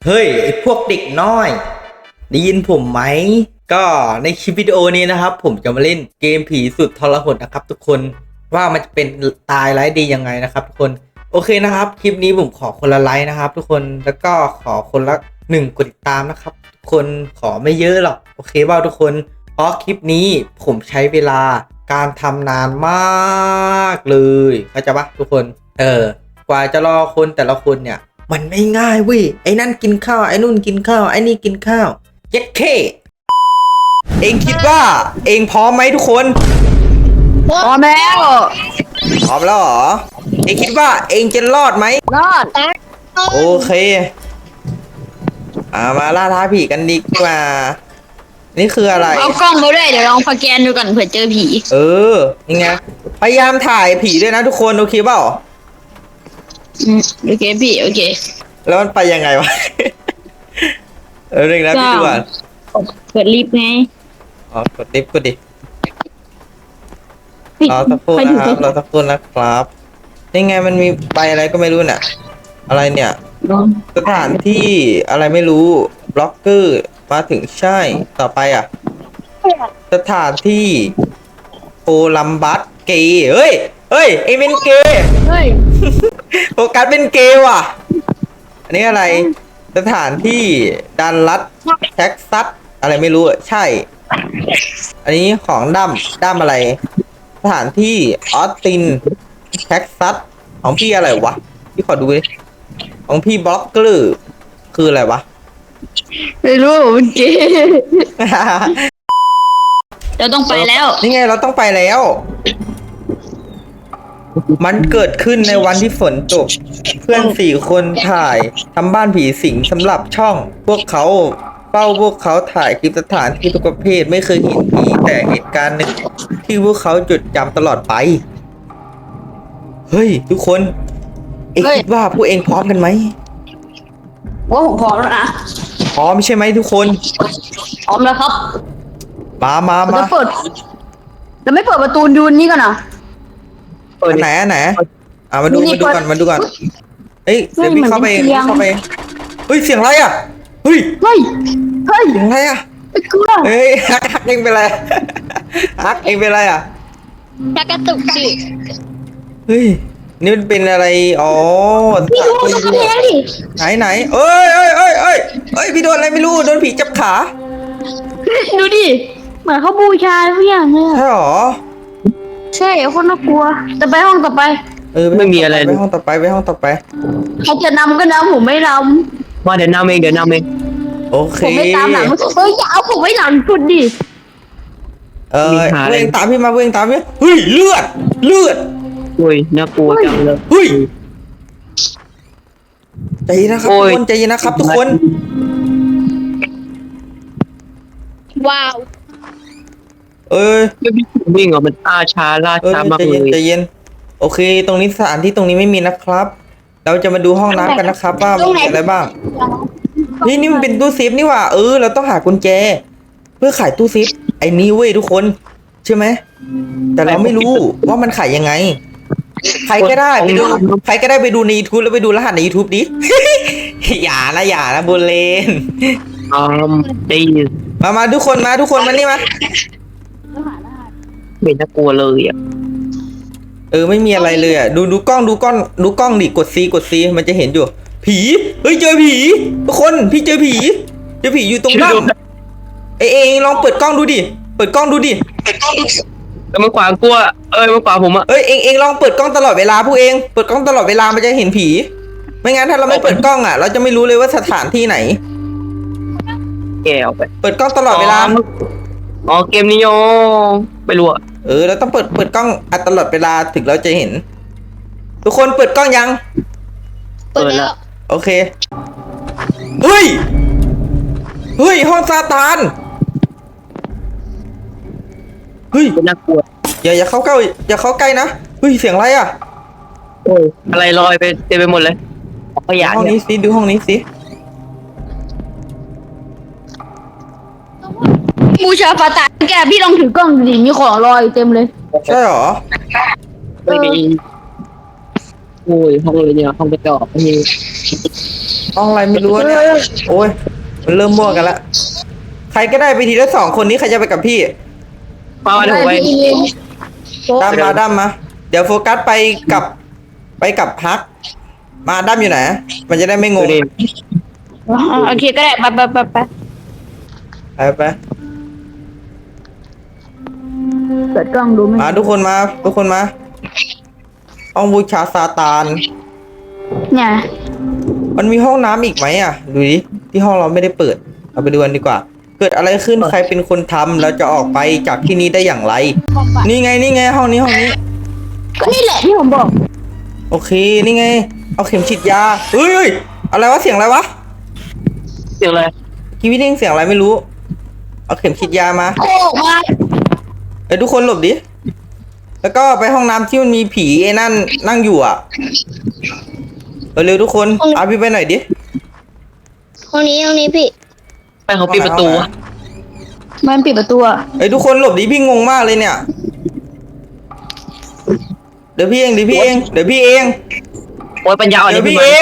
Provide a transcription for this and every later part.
เฮ้ยไอพวกเด็กน้อยได้ยินผมไหมก็ในคลิปวิดีโอนี้นะครับผมจะมาเล่นเกมผีสุดทรหดนะครับทุกคนว่ามันจะเป็นตายร้ายดียังไงนะครับทุกคนโอเคนะครับคลิปนี้ผมขอคนละไลค์นะครับทุกคนแล้วก็ขอคนละ1 กดติดตามนะครับทุกคนขอไม่เยอะหรอกโอเคว่าทุกคนเพราะคลิปนี้ผมใช้เวลาการทำนานมากเลยเข้าใจปะทุกคนกว่าจะรอคนแต่ละคนเนี่ยมันไม่ง่ายเว้ยไอ้นั่นกินข้าวไอ้นู่นกินข้าวไอ้นี่กินข้าวเย็ดเคเองคิดว่าเองพร้อมไหมทุกคนพร้อมแล้วพร้อมแล้วเหรอเองคิดว่าเองจะรอดไหมรอดโอเคมาล่าท้าผีกันดีกว่านี่คืออะไรเอากล้องมาด้วยเดี๋ยวลองสแกนดูก่อนเผื่อเจอผียังไงพยายามถ่ายผีด้วยนะทุกคนโอเคเปล่าโอเคพี่โอเคแล้วมันไปยังไงวะเรื่องนะพี่ด่วนเปิดลิฟต์ไงกดลิฟต์กดดิรอสักครู่นะครับรอสักครู่นะครับนี่ไงมันมีใบอะไรก็ไม่รู้น่ะอะไรเนี่ยสถานที่อะไรไม่รู้บล็อกเกอร์มาถึงใช่ต่อไปสถานที่โคลัมบัสเกย์เฮ้ยเอเป็นเกย์โฟกัสเป็นเกย์ว่ะอันนี้อะไรสถานที่ดันรัฐแท็กซัสอะไรไม่รู้ใช่อันนี้ของดั้มอะไรสถานที่ออสตินแท็กซัสของพี่อะไรวะพี่ขอดูดิของพี่บล็อกเกอร์คืออะไรวะไม่รู้มันเกย์เราต้องไปแล้วนี่ไงเราต้องไปแล้วมันเกิดขึ้นในวันที่ฝนตกเพื่อน4 คนถ่ายทำบ้านผีสิงสำหรับช่องพวกเขาถ่ายคลิปสถานที่ทุกประเภทไม่เคยเห็นผีแต่เหตุการณ์หนึ่งที่พวกเขาจดจำตลอดไปเฮ้ยทุกคนเอ็งคิดว่าพวกเองพร้อมกันไหมว่าผมพร้อมแล้วนะพร้อมใช่ไหมทุกคนพร้อมแล้วครับมาจะเปิดจะไม่เปิดประตูดูนี่กันนะอันไหนมาดูก่อนเฮ้ยเดี๋ยวพี่เข้าไปเฮ้ยเสียงอะไรเฮ้ยเสียงอะไรเฮ้ยฮักเองเป็นไรฮักเองเป็นไรชักกระตุกสิเฮ้ยนี่มันเป็นอะไรอ๋อพี่ดูตรงกระเพงดิไหนเอ้ยพี่โดนอะไรไม่รู้โดนผีจับขาดูดิเหมือนเขาบูชาทุกอย่างเลยใช่หรอใช่คนน่ากลัวจะไปห้องต่อไปไม่มีอะไรไปห้องต่อไปเขาจะนำก็นำผมไม่นำว่าเดี๋ยวนำเองโอเคผมไม่ตามหลังอย่าเอาผมไว้หลังสุดดิเวงตามพี่มาเฮ้ยเลือดอุ้ยน่ากลัวจังเลยเฮ้ยใจเย็นนะครับทุกคนใจเย็นนะครับทุกคนว้าวไม่วิ่งมันล่าช้ามากเลยใจเย็นโอเคตรงนี้สถานที่ตรงนี้ไม่มีนะครับเราจะมาดูห้องน้ำกันนะครับว่ามีอะไรบ้างนี่มันเป็นตู้เซฟนี่ว่าเราต้องหากุญแจเพื่อขายตู้เซฟไอ้นี่เว้ยทุกคนใช่ไหมแต่เราไม่รู้ว่ามันขายยังไงใครก็ได้ไปดูใน YouTube แล้วไปดูรหัสใน YouTube ดิ อย่านะบุญเลนได้มาทุกคนมานี่มาไม่น่ากลัวเลยไม่มีอะไรเลยดูกล้องดิกด C มันจะเห็นอยู่ผีเฮ้ยเจอผีทุกคนพี่เจอผีอยู่ตรงด้านเองลองเปิดกล้องดูดิแล้วมันขวางกลัวมันขวางผมเองลองเปิดกล้องตลอดเวลาพวกเองเปิดกล้องตลอดเวลามันจะเห็นผีไม่งั้นถ้าเราไม่เปิดกล้องเราจะไม่รู้เลยว่าสถานที่ไหนแกเอาไปเปิดกล้องตลอดเวลาเกมนี้โยไม่รู้เราต้องเปิดกล้องตลอดเวลาถึงเราจะเห็นทุกคนเปิดกล้องยังเปิดแล้วโอเคเฮ้ยห้องซาตานเฮ้ยน่ากลัวอย่าเข้าใกล้นะเฮ้ยเสียงอะไรอะไรลอยไปเต็มไปหมดเลยขยะห้องนี้สิดูห้องนี้สิบูชาฟาตาแกพี่ลองถือกล้องดิมีของลอยเต็มเลยใช่หรอไม่มีโอ้ยห้องเลยเนี่ยห้องกระจกนี่ห้องอะไรไม่รู้เนี่ยโอ้ยมันเริ่มมั่วกันละใครก็ได้ไปทีละ2 คนนี้ใครจะไปกับพี่มาเดี๋ยวผมไปด้ามมาเดี๋ยวโฟกัสไปกับฮักมาด้ามอยู่ไหนมันจะได้ไม่งดูงดิโอเคก็ได้ไปไปเปิดกล้องดูไหมมาทุกคนมาห้องบูชาซาตานเนี่ยมันมีห้องน้ำอีกไหมอ่ะดูดิที่ห้องเราไม่ได้เปิดเราไปดูกันดีกว่า เกิดอะไรขึ้นใครเป็นคนทำเราจะออกไปจากที่นี้ได้อย่างไร นี่ไงห้องนี้ก็นี่แหละที่ผมบอกโอเคนี่ไงเอาเข็มฉีดยาเฮ้ยอะไรวะเสียงอะไรวะเสียงอะไรกีวิได้ยินเสียงอะไรไม่รู้เอาเข็มฉีดยามาโอ้มาเอ้ยทุกคนหลบดิแล้วก็ไปห้องน้ำที่มันมีผีไอ้นั่นนั่งอยู่อ่ะเร็วๆทุกคนเอาพี่ไปหน่อยดิห้องนี้พี่ไปเขาปิดประตูมันปิดประตูอะเอ้ยทุกคนหลบดิพี่งงมากเลยเนี่ยเดี๋ยวพี่เองโอ้ยปัญญาอ่อนเดี๋ยวนี่พี่พี่เอง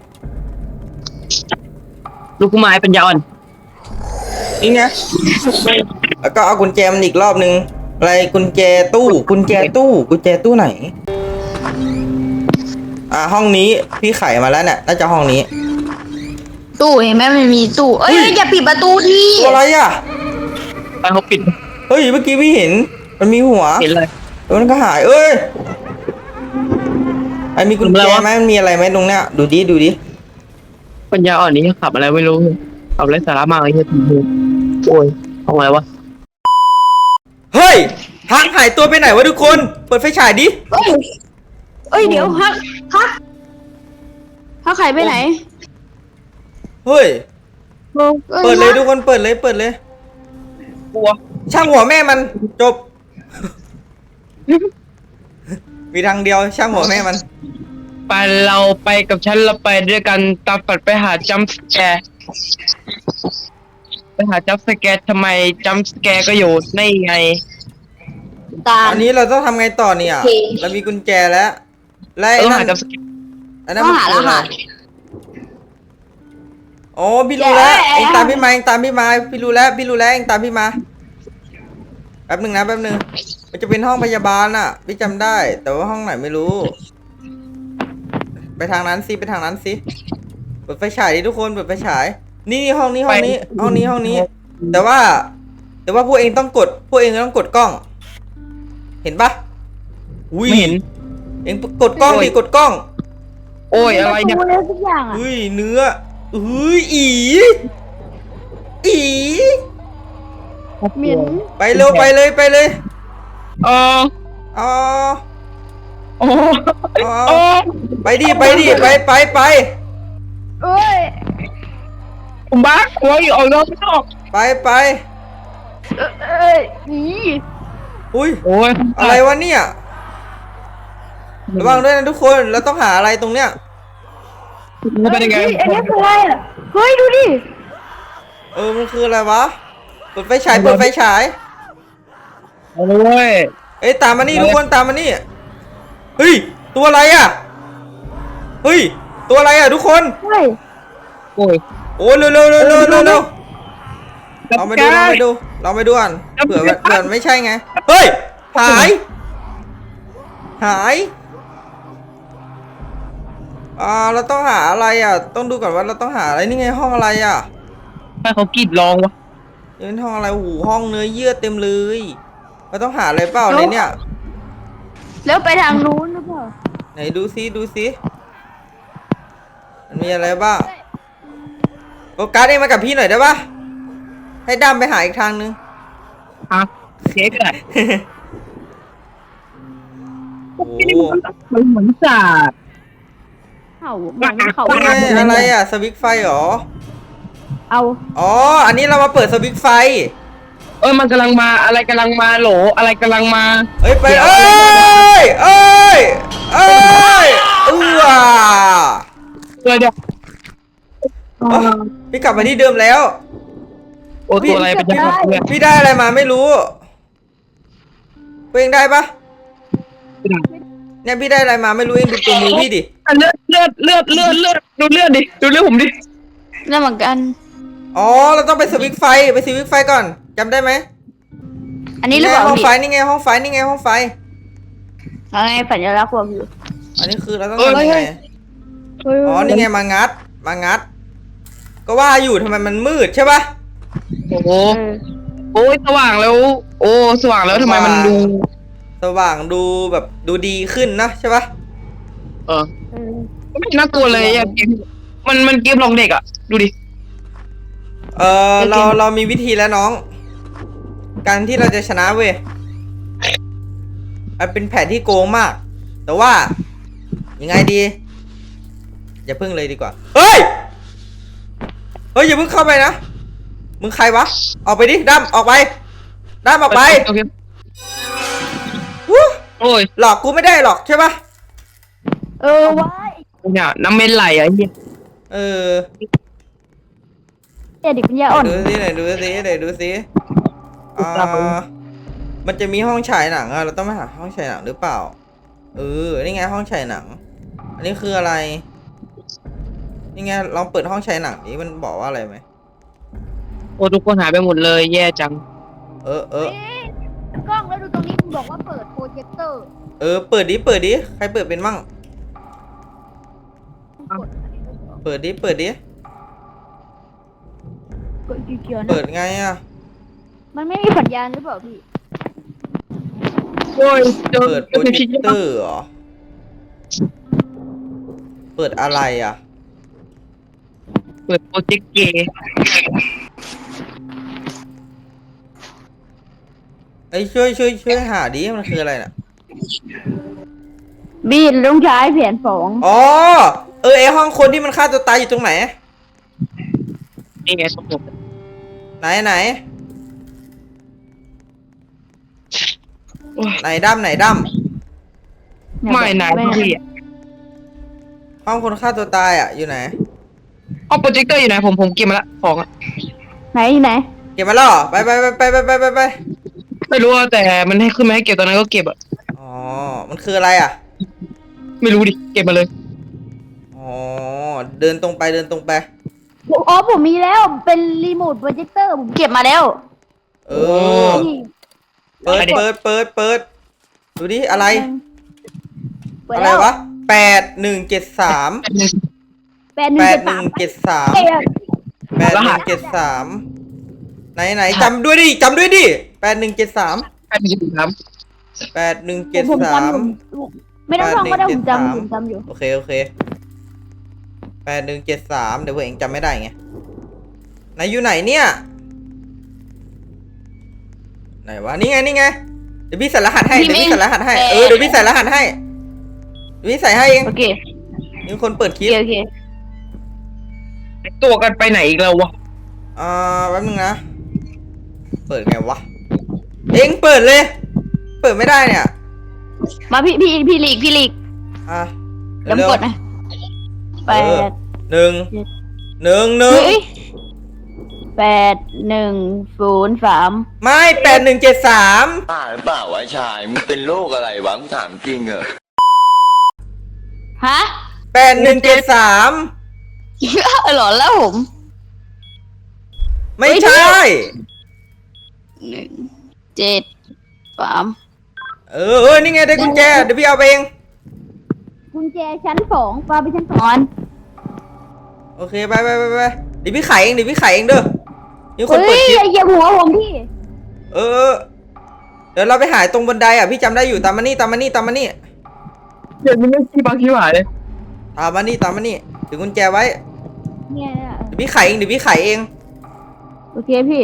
ลูกกุมารปัญญาอ่อนนี่ไงแล้วก็เอากุญแจมันอีกรอบนึงอะไรกุญแจตู้ไหนห้องนี้พี่ไขมาแล้วเนี่ยน่าจะห้องนี้ตู้เห็นไหมมันมีตู้เอ้ยอย่าปิดประตูดิตัวอะไรอ่ะไปเขาปิดเฮ้ยเมื่อกี้พี่เห็นมันมีหัวเห็นเลยแล้วมันก็หายเอ้ยไอ้มีกุญแจไหมมันมีอะไรไหมตรงเนี้ยดูดิปัญญาอ่อนนี้ขับอะไรไม่รู้ขับไรสาระมากไอ้เหี้ยทีโอ้ยห้องอะไรวะเฮ้ยฮักหายตัวไปไหนวะทุกคนเปิดไฟฉายดิเอ้ยเดี๋ยวฮักไข่ไปไหนเฮ้ยอ้เปิดเลยทุกคนเปิดเลยกลัวช่างหัวแม่มันจบ มีทางเดียวช่างหัวแม่มันไปเราไปกับฉันเราไปด้วยกันตามฝันไปหาจัมป์สแกร์ทำไมจัมป์สแกร์ก็อยู่ในไงตาอันนี้เราต้องทำไงต่อเนี่ยเรามีกุญแจแล้วและไอ้ต้องนั่หาน จัมป์สแกร์อันนั้นมันคืออะไรอ๋อพี่รู้แล้วเองตามพี่มาพี่รู้แล้วเองตามพี่มาแป๊บหนึ่งมันจะเป็นห้องพยาบาลน่ะพี่จำได้ แต่ว่าห้องไหนไม่รู้ ไปทางนั้นสิเปิดไฟฉายดิทุกคนเปิดไฟฉาย นี่ห้องนี้แต่ว่าพวกเองต้องกดกล้อง เห็นปะอุ้ยไม่เห็นเองกดกล้องดิกดกล้องโอ้ยอะไรเนี่ยประตูแล้วทุกอย่างอะเฮ้ยเนื้อเฮ้ยอีเหม็นไปเร็วไปเลยอ๋ออ๋อโอ้อ๋อโอ้ไปดิไปเอ้ยผมบ้าหัวอยู่ออกนอกไม่ออกไปเอ้ยนี่อุ้ยโอ้ยอะไรวะเนี่ยระวังด้วยนะทุกคนเราต้องหาอะไรตรงเนี้ยมันเป็นยังไงเฮ้ยอันนี้คืออะไรอะเฮ้ยดูดิมันคืออะไรวะเปิดไฟฉายเอาเลยเว้ยเอ้ยตามมานี่ทุกคนตามมานี่เฮ้ยตัวอะไรอ่ะทุกคนเฮ้ยโอ้ยโอ้เร็วเราไปดูก่อนเผื่อไม่ใช่ไงเฮ้ยหายเราต้องหาอะไรอ่ะต้องดูก่อนว่าเราต้องหาอะไรนี่ไงห้องอะไรอ่ะให้เขากรีดร้องวะเป็นห้องอะไรหูห้องเนื้อเยื่อเต็มเลยเราต้องหาอะไรเปล่าในเนี่ยแล้วไปทางนู้นหรือเปล่าไหนดูซิมันมีอะไรบ้างโฟกัสเองมากับพี่หน่อยได้ปะให้ดำไปหาอีกทางนึงฮะเค้กอะโอ้มันเหมือนศาสตร์เขาเขานี่ไงอะไรอ่ะสวิตช์ไฟเหรอเอาอ๋ออันนี้เรามาเปิดสวิตช์ไฟมันกำลังมาอะไรกำลังมาโหลอะไรกำลังมาเอ้ยไปเอ้ยเดี๋ยวพี่กลับมาที่เดิมแล้วโอ้ตัวอะไรเป็นยังไงเนี่ยพี่ได้อะไรมาไม่รู้เองได้ปะเนี่ยพี่ได้อะไรมาไม่รู้เองดูตัวมือพี่ดิเลือดดูเลือดดิดูเลือดผมดินั่นเหมือนกันอ๋อเราต้องไปสวิตช์ไฟไปสวิตช์ไฟก่อนจำได้ไหมอันนี้หรือเปล่าห้องพี่ไฟนี่ไงห้องไฟนี่ไงห้องไฟอะไรสัญลักษณ์บอกอยู่อันนี้คือเราต้องทำยังไงอ๋อนี่ไงมางัด ก็ว่าอยู่ทำไมมันมืดใช่ปะโอ้โหโอ้ยสว่างแล้ว โอ้สว่างแล้วทำไมมันดูสว่างดูแบบดูดีขึ้นนะใช่ปะเออไม่น่ากลัวเลยอะเกมมันเกมหลอกเด็กอ่ะดูดิเรามีวิธีแล้วน้อง การที่เราจะชนะเว้ยมันเป็นแผนที่โกงมาก แต่ว่ายังไงดีอย่าพึ่งเลยดีกว่าเฮ้ยอย่าเพิ่งเข้าไปนะมึงใครวะออกไปดิดั้มออกไปดั้มออกไปโอเควู้โอ้ยหลอกกูไม่ได้หรอกใช่ปะว้ายเนี่ยน้ำเมนไหลอ่ะเฮียเออเด็กปัญญาอ่อนดูสิไหนดูสิมันจะมีห้องฉายหนังอะเราต้องไปหาห้องฉายหนังหรือเปล่านี่ไงห้องฉายหนัง อันนี้คืออะไรนี่ไงลองเปิดห้องฉายหนังนี้มันบอกว่าอะไรไหมโอ้ทุกคนหายไปหมดเลยแย่จังเออกล้องแล้วดูตรงนี้คุณบอกว่าเปิดโปรเจคเตอร์เปิดดิใครเปิดเป็นมั่งเปิดดิกดเขียวๆนะเปิดไงอะมันไม่มีสัญญาณหรือเปล่าพี่โอ้ยเปิดโปรเจคเตอร์เหรอเปิดอะไรอะเปิดโปรเจกต์เกย์ไอ้ยช่วยหาดิมันคืออะไรน่ะบีนต้องใช้แผนสองอ๋อไอห้องคนที่มันฆ่าตัวตายอยู่ตรงไหนนี่ไงสมมติไหนไหนดั้มไม่นายพี่อ่ะห้องคนฆ่าตัวตายอ่ะอยู่ไหนเอาโปรเจคเตอร์อยู่ไหนผมเก็บมาละของอ่ะไหนเก็บมาแล้วเหรอไปไม่รู้ว่าแต่มันให้ขึ้นมาให้เก็บตอนนั้นก็เก็บอ่ะอ๋อมันคืออะไรอ่ะไม่รู้ดิเก็บมาเลยอ๋อเดินตรงไปอ๋อผมมีแล้วเป็นรีโมทโปรเจคเตอร์ผมเก็บมาแล้วเออเปิดดูดิอะไรเปิดอะไรแล้ววะ8173 8173 ไหนจำด้วยดิ8173 ใครมีกิจกรรมผมจำ 8173 ไม่ต้องท่องก็ได้ผมจำอยู่โอเค8173เดี๋ยวพวกเองจำไม่ได้ไงไหนอยู่ไหนเนี่ยไหนวะนี่ไงเดี๋ยวพี่ใส่รหัสให้เดี๋ยวพี่ใส่รหัสให้เดี๋ยวพี่ใส่รหัสให้พี่ใส่ให้เองโอเคมีคนเปิดคลิปโอเคตัวกันไปไหนอีกแล้ววะแป๊บนึงนะเปิดไงวะเองเปิดเลย เปิดไม่ได้เนี่ยมาพี่หลีกอ่ะเดี๋ยวกดนะแปดหนึ่งเฮ้ย8103 ไม่8173 บ้าหรือเปล่าวะชาย มึงเป็นโรคอะไรวะมึงถามจริงเหรอฮะ 8173 หลอนแล้วผมไม่ใช่ 173 นี่ไงได้กุญแจเดี๋ยวพี่เอาไปเองกุญแจชั้น2ปาไปชั้น2อันโอเคไปเดี๋ยวพี่ไขเองเด้อมีคนเปิดคลิปอย่าเหยียบหัวผมพี่เดี๋ยวเราไปหาตรงบันไดอ่ะพี่จำได้อยู่ตามมานี่เดี๋ยวมันไม่ขี้บังขี้หวายเลยตามมานี่ถือกุญแจไว้เนี่ยเดี๋ยวพี่ไขเองโอเคพี่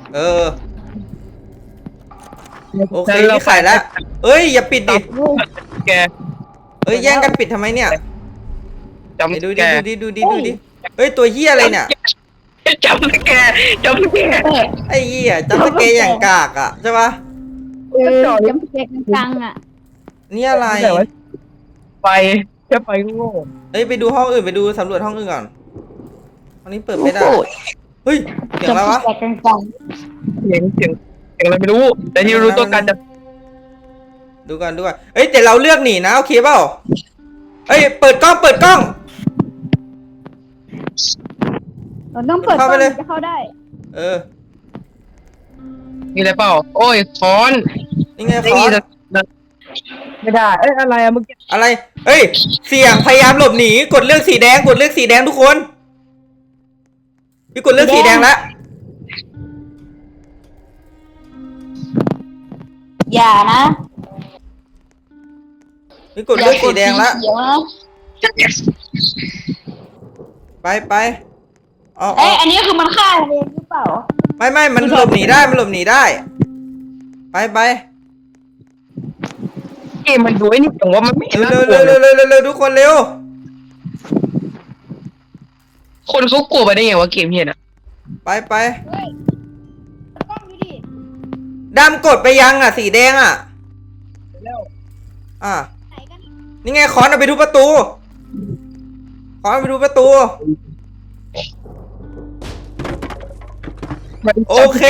โอเคพี่ไขแล้วอย่าปิดดิแกแย่งกันปิดทำไมเนี่ยจำดูแกดิตัวเหี้ยอะไรเนี่ยจำแกไอ้เหี้ยจำสเกย์อย่างกากอ่ะใช่ปะจำเจ็กจังอ่ะนี่อะไรไปแค่ไปโง่ไปดูห้องอื่นไปดูสำรวจห้องอื่นก่อนห้องนี้เปิดไม่ได้เฮ้ยเสียงอะไรวะจำเจ็กจังเสียงอะไรไม่รู้ แต่ที่รู้ตัวกันจะดูก่อนแต่เราเลือกหนีนะโอเคเปล่าเปิดกล้องเราต้องเปิดเข้าไปเลยจะเข้าได้เออมีอะไรเปล่าโอ้ยค้อนนี่ไงคนี่อร์สไม่ได้เอ้ยอะไรอะเมื่อกี้อะไร เฮ้ย เสี่ยงพยายามหลบหนี กดเลือกสีแดง กดเลือกสีแดงทุกคน พี่กดเลือกสีแดงแล้วอย่านะพี่กดเลือกสีแดงแล้วเขียวนะไปอ๋อเอ้ยอันนี้คือมันฆ่าเองหรือเปล่าไม่มันหลบหนีได้ มันหลบหนีได้ ไปเกมมันดูไอ้นี่แต่ว่ามันไม่เห็นเร็น่าว กลัวเลยเร็วทุกคนเร็วคนเขากลัวไปได้ไงวะเกมเฮียน่ะไปเฮ้ยกล้องดูดิดำกดไปยังอ่ะ สีแดงอ่ะ อ่ะไหนกันนี่ไงคอนเอาไปทุบประตู คอนเอาไปทุบประตู โอเค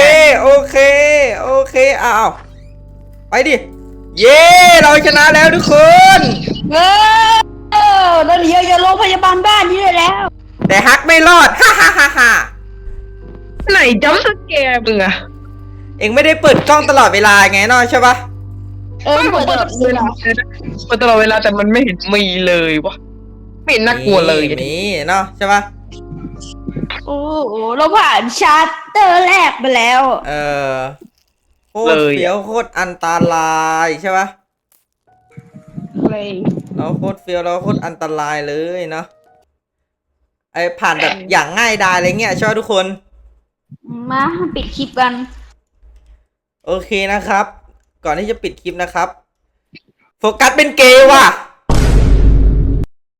อ้าวไปดิ เย้เราชนะแล้วทุกคนเออแล้วเดี๋ยวจะโรงพยาบาลบ้านนี้เลยแล้วแต่ฮักไม่รอด ฮ่าไหนจัมป์สแกร์มึงอะเอ็งไม่ได้เปิดกล้องตลอดเวลาไงเนาะใช่ปะไม่ผมเปิดตลอดเวลาเปิดตลอดเวลาแต่มันไม่เห็นมีเลยวะไม่เห็นน่ากลัวเลยมีเนาะใช่ปะโอ้โหเราผ่านชาร์เตอร์แรกไปแล้วโคตรเฟี้ยวโคตรอันตรายใช่ปะเลยเราโคตรเฟี้ยวเราโคตรอันตรายเลยเนาะไอผ่านแบบอย่างง่ายดายอะไรเงี้ยใช่ปะทุกคนมาปิดคลิปกันโอเคนะครับ ก่อนที่จะปิดคลิปนะครับ โฟกัสเป็นเกย์ว่ะ